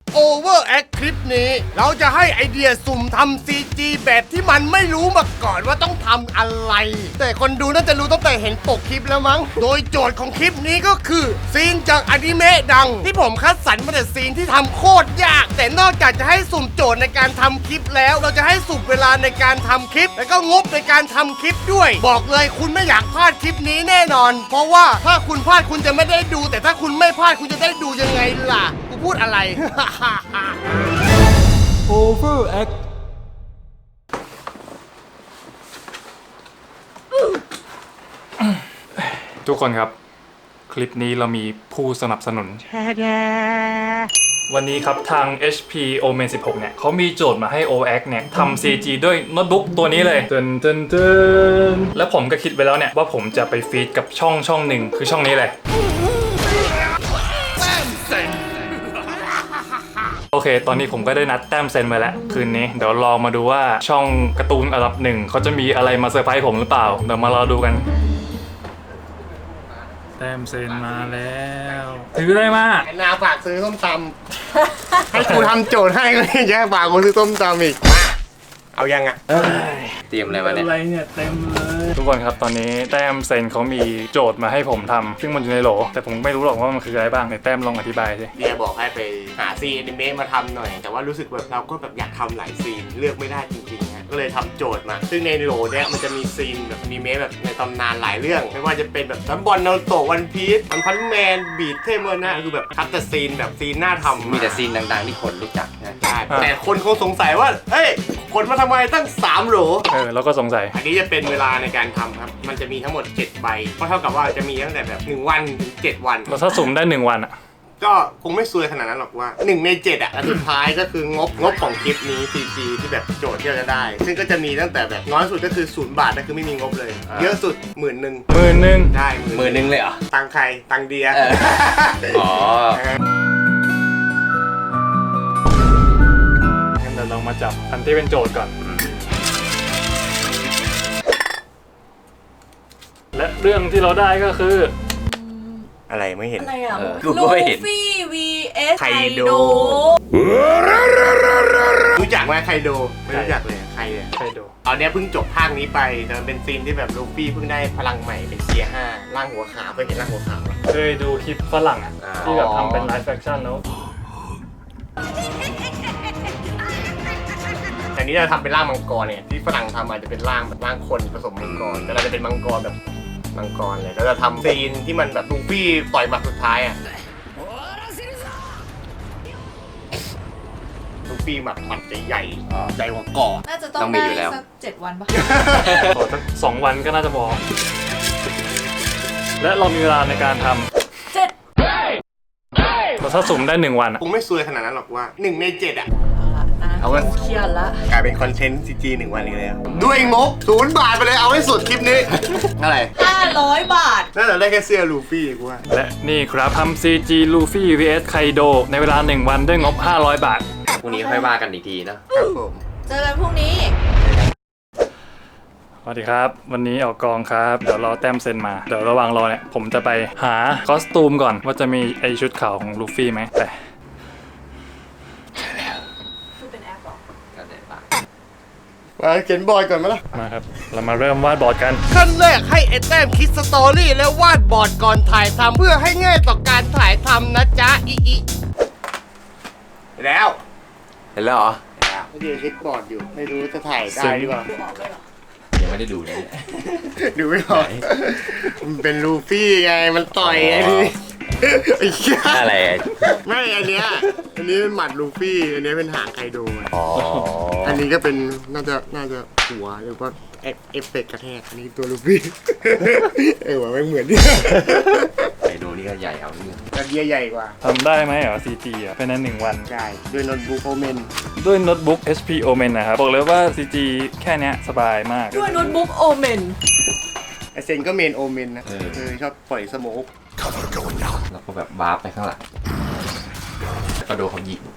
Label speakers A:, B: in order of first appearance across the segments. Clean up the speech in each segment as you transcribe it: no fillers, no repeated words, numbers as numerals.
A: Overact คลิปนี้เราจะให้ไอเดียสุ่มทำ CG แบบที่มันไม่รู้มาก่อนว่าต้องทำอะไรแต่คนดูน่าจะรู้ตั้งแต่เห็นปกคลิปแล้วมั้งโดยโจทย์ของคลิปนี้ก็คือซีนจากอนิเมะดังที่ผมคัดสรรมาแต่ซีนที่ทำโคตรยากแต่นอกจากจะให้สุ่มโจทย์ในการทำคลิปแล้วเราจะให้สุ่มเวลาในการทำคลิปแล้วก็งบในการทำคลิปด้วยบอกเลยคุณไม่อยากพลาดคลิปนี้แน่นอนเพราะว่าถ้าคุณพลาดคุณจะไม่ได้ดูแต่ถ้าคุณไม่พลาดคุณจะได้ดูยังไงล่ะกูพูดอะไร
B: Overact
C: ทุกคนครับคลิปนี้เรามีผู้สนับสนุนวันนี้ครับทาง HP Omen 16 เนี่ยเขามีโจทย์มาให้ Overact เนี่ยทำ CG ด้วยโน้ตบุ๊กตัวนี้เลยแล้วผมก็คิดไว้แล้วเนี่ยว่าผมจะไปฟีดกับช่องหนึ่งคือช่องนี้เลยโอเคตอนนี้ผมก็ได้นัดแต้มเซนมาแล้วคืนนี้เดี๋ยวรอมาดูว่าช่องการ์ตูนอันดับหนึ่งเขาจะมีอะไรมาเซอร์ไพรส์ผมหรือเปล่าเดี๋ยวมารอดูกันแต้มเซนมาแล้วถือได้มาก
A: นาฝากซื้อส้มตำให้กูทำโจทย์ให้ก็ยังจะฝากกูซื้อส้มตำอีกมาเอายังอ่ะ
D: เตรียมอะไรมาเนี่ย
C: อะไรเนี่ยเต็มเลยทุกคนครับตอนนี้แต้มเซนเขามีโจทย์มาให้ผมทำซึ่งมันอยู่ในโหลแต่ผมไม่รู้หรอกว่ามันคืออะไรบ้างในแต้มลองอธิบายสิ
A: เดียบอกให้ไปหาซีนอนิเมะมาทำหน่อยแต่ว่ารู้สึกแบบเราก็แบบอยากทำหลายซีนเลือกไม่ได้จริงๆนะก็เลยทำโจทย์มาซึ่งในโหลเนี้ยมันจะมีซีนแบบอนิเมะแบบในตำนานหลายเรื่องไม่ว่าจะเป็นแบบซัมบอลนารูโตะวันพีซอันพันแมนบีทเทเมอร์นะคือแบบคัดแต่ซีนแบบซีนน่าทำ
D: มีแต่ซีนดังๆที่คนรู้จักนะ
A: แต่คนคงสงสัยว่าเฮ้ยคนมาทำไมตั้ง3โหล
C: เราก็สงสัย
A: อันนี้จะเป็นเวลาในการทำครับมันจะมีทั้งหมด7ใบก็เท่ากับว่าจะมีตั้งแต่แบบ1วันถึง7วัน
C: เราถ้าสุ่มได้1วันอ่ะ
A: ก็คงไม่ซวยขนาดนั้นหรอกว่า1ใน7อ่ะสุดท้ายก็คืองบของคลิปนี้ CG ที่แบบโจทย์ที่เราจะได้ซึ่งก็จะมีตั้งแต่แบบน้อยสุดก็คือ0 บาทนั่นคือไม่มีงบเลยเยอะสุด10,000ได้
D: 10,000เลยเหรอ
A: ตังใครตังเดีย
D: อ๋อ
C: งั้นเดี๋ยวเรามาจับอันที่เป็นโจทย์ก่อนและเรื่องที่เราได้ก็คือ
A: อะไรไม่เห็น
E: อะไรอ่ะ
D: ลู
E: ฟี่ vs ไคโด
A: รู้จักไหมไคโดไม่รู้จักเลยใครเนี่ย
C: ไคโด
A: ตอนนี้เพิ่งจบภาคนี้ไปแต่มันเป็นซีนที่แบบลูฟี่เพิ่งได้พลังใหม่เป็นเทียร์5ร่างหัวขาวเคยเห็นร่างหัวขาวไหม
C: เคยดูคลิปฝรั่งอ่ะที่แบบทำเป็นไลฟ์แฟคชั่นแล้ว
A: แต่นี้เราทำเป็นร่างมังกรเนี่ยที่ฝรั่งทำอาจจะเป็นร่างแบบร่างคนผสมมังกรแต่เราจะเป็นมังกรแบบมังกรเลยเราจะทำซีนที่มันแบบลูฟี่ต่อยหมัดสุดท้ายอ่ะลูฟี่หมัดใหญ่ใหญ่กว่าก่อ
E: น่าจะต้องได้สัก7 วันป่ะ
C: ขอสัก2 วันก็น่าจะพอและเรามีเวลาในการทำเราถ้าสุ่มได้1 วัน
A: คงไม่ซวยขนาดนั้นหรอกว่า1 ใน 7อ่ะ
E: เอาว่าเครียดละ
A: กลายเป็นคอนเทนต์ CG 1 วันอีกแล้วด้วยงบ0 บาทไปเลยเอาให้สุดคลิปนี้อะไร
E: 500 บาท
A: น่าจะได้แค่เสื้อลูฟี่กูว่า
C: และนี่ครับทำ CG ลูฟี่ vs ไคโดในเวลา1 วันด้วยงบ500 บาท
D: พรุ่งนี้ค่อยว่ากันอีกทีนะครับ
A: ผม
E: เจอกันพรุ่งนี้
C: สวัสดีครับวันนี้ออกกองครับเดี๋ยวรอแต้มเซ็นมาเดี๋ยวระหว่างรอเนี่ยผมจะไปหาคอสตูมก่อนว่าจะมีไอชุดขาวของลูฟี่ไหมแต่
A: มาเขียนบอร์ดก่อนไหมล่ะ
C: มาครับเรามาเริ่มวาดบอร์ดกัน
A: ขั้นแรกให้ไอ้แต้มคิดสตอรี่แล้ววาดบอร์ดก่อนถ่ายทำเพื่อให้ง่ายต่อการถ่ายทำนะจ๊ะอีแล้ว
D: เห็นแล้วเหรอ
A: ไม่ได้คิดบอร์ดอยู่ไม่รู้จะถ่ายได้หรือเปล่า
D: ยังไม่ได้ดูเลย
A: ดูไม่ออกมันเป็นลูฟี่ไงมันต่อยไอ้นี่
D: อะไร
A: ไม่อันนี้เป็นหมัดลูฟี่อันนี้เป็นหางไคโดอันนี้ก็เป็นน่าจะหัวหรือว่าเอฟเฟกต์กระแทกอันนี้ตัวลูฟี่ว่าไม่เหมือนดิ
D: ไคโดนี่ก็ใหญ่เอาเนี่ย
A: กระเดียใหญ่กว่า
C: ทำได้ไหมCG อ่ะเป็นนั้น1 วัน
A: ใช่ด้วยโน้ตบุ๊กโอเมน
C: ด้วยโน้ตบุ๊ก HP Omen นะครับบอกเลยว่า CG แค่นี้สบายมาก
E: ด้วยโน้ตบุ๊กโอเมน
A: ไอเซนก็เมนโอเมนนะชอบปล่อยสโมก
D: แล้วก็แบบวาร์ปไปข้างหลังก็โดนเขายิง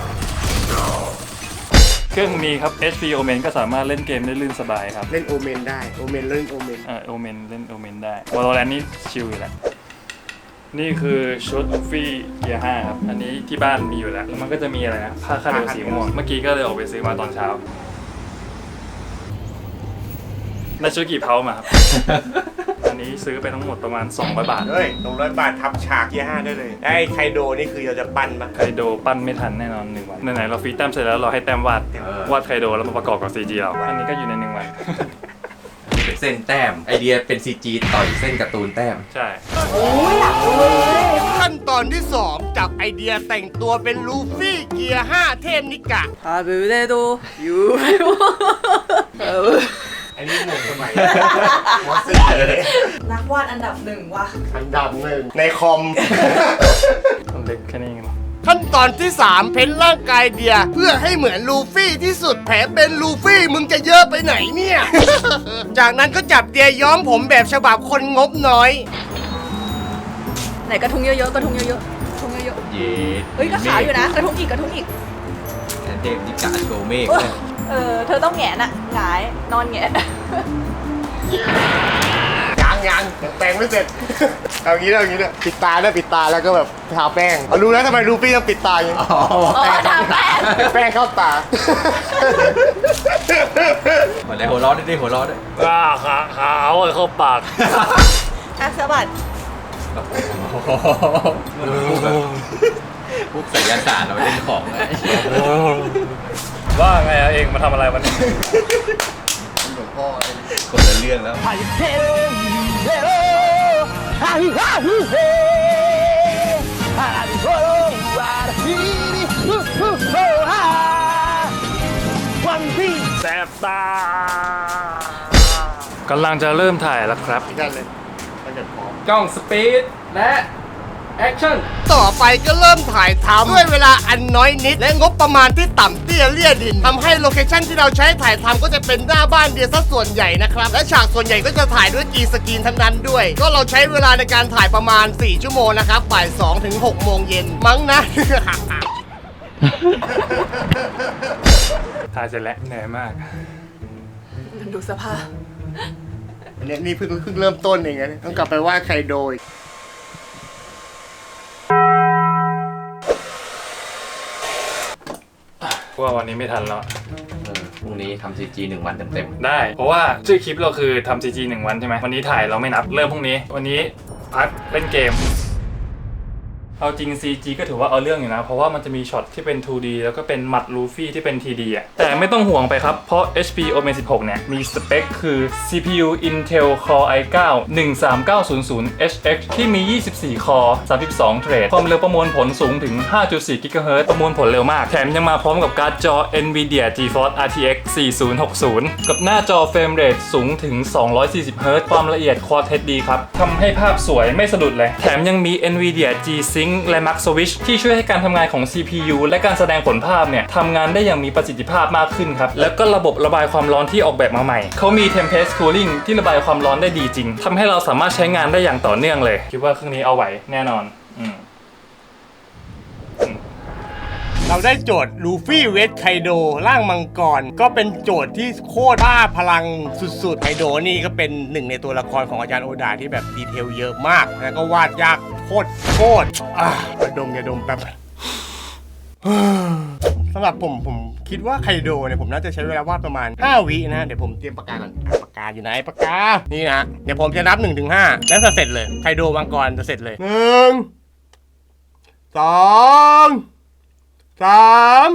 C: เครื่องมีครับ HP Omen ก็สามารถเล่นเกมได้ลื่นสบายครับ
A: เล่นโอเมนได้โอเมนเล่นโอเมน
C: โอเมนเล่นโอเมนได้ Valorant นี่ชิลอยู่แล้วนี่คือชุดลูฟี่เกียร์5ครับอันนี้ที่บ้านมีอยู่แล้วแล้วมันก็จะมีอะไรนะผ้าคาดเอวสีม่วงเมื่อกี้ก็เลยออกไปซื้อมาตอนเช้าได้ชุดกี่เพามาครับ อันนี้ซื้อไปทั้งหมดประมาณ200 บาท
A: เฮ้ย200 บาททับฉากเกียร์5ได้เลยไอ้ไคโดนี่คือเราจะปั้นปะ
C: ไคโดปั้นไม่ทันแน่นอน1 วันไหนๆเราฟรีแต้มเสร็จแล้วเราให้แต้มวาดไคโดแล้วมาประกอบกับ CG เราอันนี้ก็อยู่ใน1 วัน
D: เป็นเส้นแต้มไอเดียเป็น CG ต่อยเส้นการ์ตูนแต้ม
C: ใช่
A: ขั้นตอนที่ 2 จากไอเดียแต่งตัวเป็นลูฟี่เกียร์ 5 เทพนิกะ
E: 아무래도 유
A: อันนี้หนุ่มสมัยม .4 เลย
E: นักวาดอันดับ1ว่ะ
A: อันดับ1ในคอม
C: คนเล็กแค่นี้เองเหรอ
A: ขั้นตอนที่ 3 เพ้นร่างกายเดียเพื่อให้เหมือนลูฟี่ที่สุดแผลเป็นลูฟี่มึงจะเยอะไปไหนเนี่ย จากนั้นก็จับเดียย้อมผมแบบฉบับคนงบน้อย
E: ไหนกระทุงเยอะๆกระทุงเยอะๆกระทุงเยอะ
D: เย้
E: ๆเฮ้ยก็ขาวอยู่นะกระทุงอีกกระทุงอีก
D: เทพนิกะโชเมฆ
E: เธอต้องแหงนอะหงายนอนแหงน
A: ยังแปรงไม่เสร็จ เอางี้เอางี้เนี่ยปิดตาได้ปิดตาแล้วก็แบบทาแป้งเอารู้แล้วทำไมลูฟี่ต้องปิดตาอย่างนี้
E: อ๋อทาแป้ง
A: แป้งเข้าตา
D: หมดแล้วหัวเร้อนด้วยหัวเร้อนด้วย
C: ขาวเลยเข้าปาก
E: อ่ะสะบัด
D: พวกศิลศาสตร์เราเล่นของเลย
C: ว่าไงอะเองมาทำอะไรวันนี้
D: คนละเรื่องแล้ว
C: แสบตากำลังจะเริ่มถ่ายแล้วครับ
A: นั่นเลยมันจะพร้อม
D: กล้องสปีดและแอคชั่น
A: ต่อไปก็เริ่มถ่ายทำด้วยเวลาอันน้อยนิด และงบประมาณที่ต่ำเตี้ยเลี่ยดินทำให้โลเคชั่นที่เราใช้ถ่ายทำก็จะเป็นหน้าบ้านเดียวซะส่วนใหญ่นะครับ และฉากส่วนใหญ่ก็จะถ่ายด้วยกีสกรีนทั้งนั้นด้วย ก็เราใช้เวลาในการถ่ายประมาณ 4 ชั่วโมงนะครับบ่าย2 ถึง 6 โมงเย็นมั้งนะ
C: ถ่ายเสร็จแล้วเหนื่อยมาก
E: ดูสภาพ
A: เนี่ยนี่เพิ่งเริ่มต้นเองนะต้องกลับไปว่าใครโดย
C: ว่าวันนี้ไม่ทันแล้ว
D: พรุ่งนี้ทำ CG 1 วันเต็ม
C: ได้ เพราะว่าชื่อคลิปเราคือทำ CG 1 วันใช่ไหมวันนี้ถ่ายเราไม่นับเริ่มพรุ่งนี้ วันนี้พักเล่นเกม เอาจริง CG ก็ถือว่าเอาเรื่องอยู่นะ เพราะว่ามันจะมีช็อตที่เป็น 2D แล้วก็เป็นหมัดลูฟี่ที่เป็น 3D อ่ะแต่ไม่ต้องห่วงไปครับ เพราะ HP Omen 16 เนี่ย มีสเปคคือ CPU Intel Core i9 13900 HX ที่มี 24 คอร์ 32 เทรด ความเร็วประมวลผลสูงถึง 5.4 GHz ประมวลผลเร็วมาก แถมยังมาพร้อมกับการ์ดจอ Nvidia GeForce RTX 4060 กับหน้าจอเฟรมเรทสูงถึง 240 Hz ความละเอียด Quad HD ครับทำให้ภาพสวยไม่สะดุดเลย แถมยังมี Nvidia G-Sync และ Max Switch ที่ช่วยให้การทำงานของ CPU และการแสดงผลภาพเนี่ยทำงานได้อย่างมีประสิทธิภาพมากขึ้นครับ แล้วก็ระบบระบายความร้อนที่ออกแบบมาใหม่ เขามี Tempest Cooling ที่ระบายความร้อนได้ดีจริงทำให้เราสามารถใช้งานได้อย่างต่อเนื่องเลย คิดว่าเครื่องนี้เอาไหวแน่นอน
A: เราได้โจทย์ลูฟี่เวสไคโดร่างมังกรก็เป็นโจทย์ที่โคตรบ้าพลังสุดๆไคโดนี่ก็เป็นหนึ่งในตัวละครของอาจารย์โอดาที่แบบดีเทลเยอะมากแล้วก็วาดยากโคตรอย่าดมแป๊บ สำหรับผมคิดว่าไคโดเนี่ยผมน่าจะใช้เวลาวาดประมาณ 5 วินะเดี๋ยวผมเตรียมปากกาก่อนปากกาอยู่ไหนปากกานี่นะเดี๋ยวผมจะนับ 1 ถึง 5 แล้วจะเสร็จเลยไคโดมังกรจะเสร็จเลย1 2 3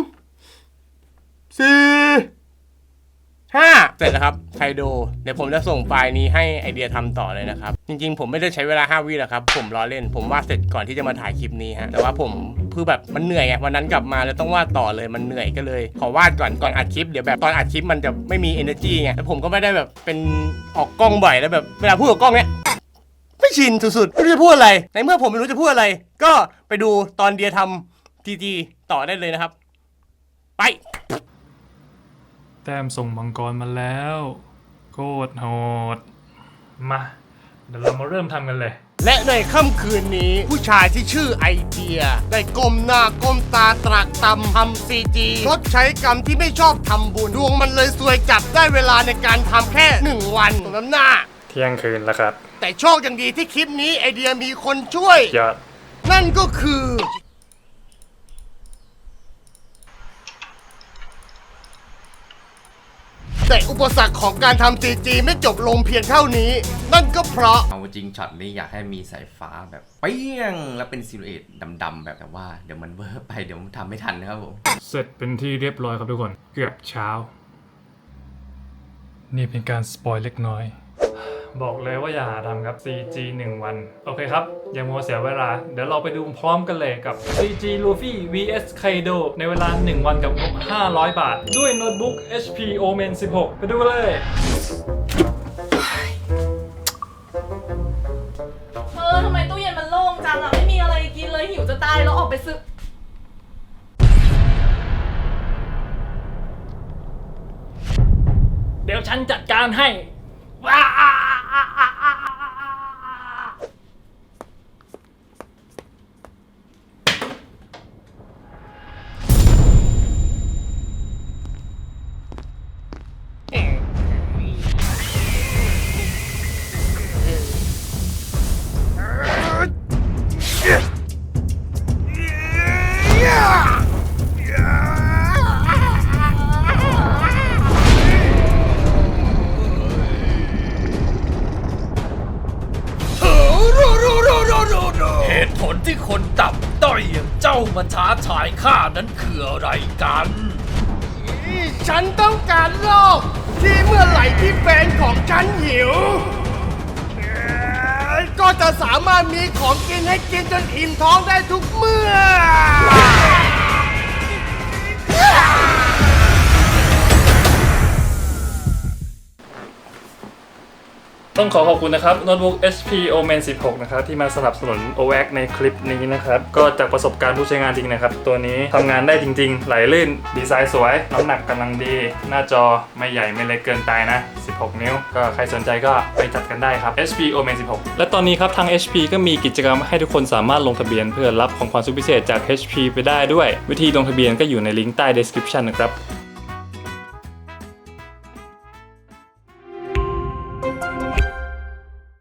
A: 4 5 เสร็จแล้วครับไคโดเดี๋ยวผมจะส่งไฟล์นี้ให้ไอเดียทำต่อเลยนะครับจริงๆผมไม่ได้ใช้เวลา5 วิหรอกครับผมล้อเล่นผมวาดเสร็จก่อนที่จะมาถ่ายคลิปนี้ฮะแต่ว่าผมคือแบบมันเหนื่อยไงวันนั้นกลับมาแล้วต้องวาดต่อเลยมันเหนื่อยก็เลยขอวาดก่อนอัดคลิปเดี๋ยวแบบตอนอัดคลิปมันจะไม่มี energy ไงแล้วผมก็ไม่ได้แบบเป็นออกกล้องบ่อยแล้วแบบเวลาพูดกับกล้องเนี้ยไม่ชินสุดๆไม่รู้จะพูดอะไรในเมื่อผมไม่รู้จะพูดอะไรก็ไปดูตอนเดียทำทีต่อได้เลยนะครับไป
C: แต้มส่งมังกรมาแล้วโคตรโหดมาเดี๋ยวเรามาเริ่มทำกันเลย
A: และในค่ำคืนนี้ผู้ชายที่ชื่อไอเดียได้ก้มหน้าก้มตาตรากตำทำซีจีชดใช้กรรมที่ไม่ชอบทำบุญดวงมันเลยซวยจับได้เวลาในการทำแค่1 วันตรงน้ำหน้า
C: เที่ยงคืนแล้วครับ
A: แต่โชคยังดีที่คลิปนี้ไอเดียมีคนช่วย
C: ยอด
A: นั่นก็คือ แต่อุปสรรคของการทำ CG ไม่จบลงเพียงเท่านี้ นั่นก็เพราะ
D: เอาจริงช็อตนี้อยากให้มีสายฟ้าแบบเปี้ยงแล้วเป็นซิลูเอตดำๆแบบแต่ว่าเดี๋ยวมันเวอร์ไปเดี๋ยวมันทำไม่ทันนะครับผม
C: เสร็จเป็นที่เรียบร้อยครับทุกคน เกือบเช้า นี่เป็นการสปอยเล็กน้อย บอกเลยว่าอย่าหาทำครับ CG 1 วัน โอเคครับ อย่ามัวเสียเวลา เดี๋ยวเราไปดูพร้อมกันเลยกับ CG Luffy vs Kaido ในเวลา 1 วันกับงบ500 บาท ด้วยโน้ตบุ๊ก HP Omen 16 ไปดูกันเลย
E: ทำไมตู้เย็นมันโล่งจังอ่ะ ไม่มีอะไรกินเลยหิวจะตายแล้วออกไปซื้อ
C: เดี๋ยวฉันจัดการให้
B: เหตุผลที่คนต่ำต้อยอย่างเจ้ามาท้าทายข้านั้นคืออะไรกัน
A: ฉันต้องการโลกที่เมื่อไหร่ที่แฟนของฉันหิว ก็จะสามารถมีของกินให้กินจนอิ่มท้องได้ทุกเมื่อ
C: ต้องขอขอบคุณนะครับโน้ตบุ๊ก HP Omen 16 นะครับที่มาสนับสนุน OX ในคลิปนี้นะครับ ก็จากประสบการณ์ผู้ใช้งานจริงนะครับ ตัวนี้ทำงานได้จริงๆ ไหลลื่น ดีไซน์สวย น้ำหนักกำลังดี หน้าจอไม่ใหญ่ไม่เล็กเกินไปนะ 16 นิ้ว ก็ใครสนใจก็ไปจัดกันได้ครับ HP Omen 16 และตอนนี้ครับทาง HP ก็มีกิจกรรมให้ทุกคนสามารถลงทะเบียนเพื่อรับของขวัญสุดพิเศษจาก HP ไปได้ด้วย วิธีลงทะเบียนก็อยู่ในลิงก์ใต้ description นะครับ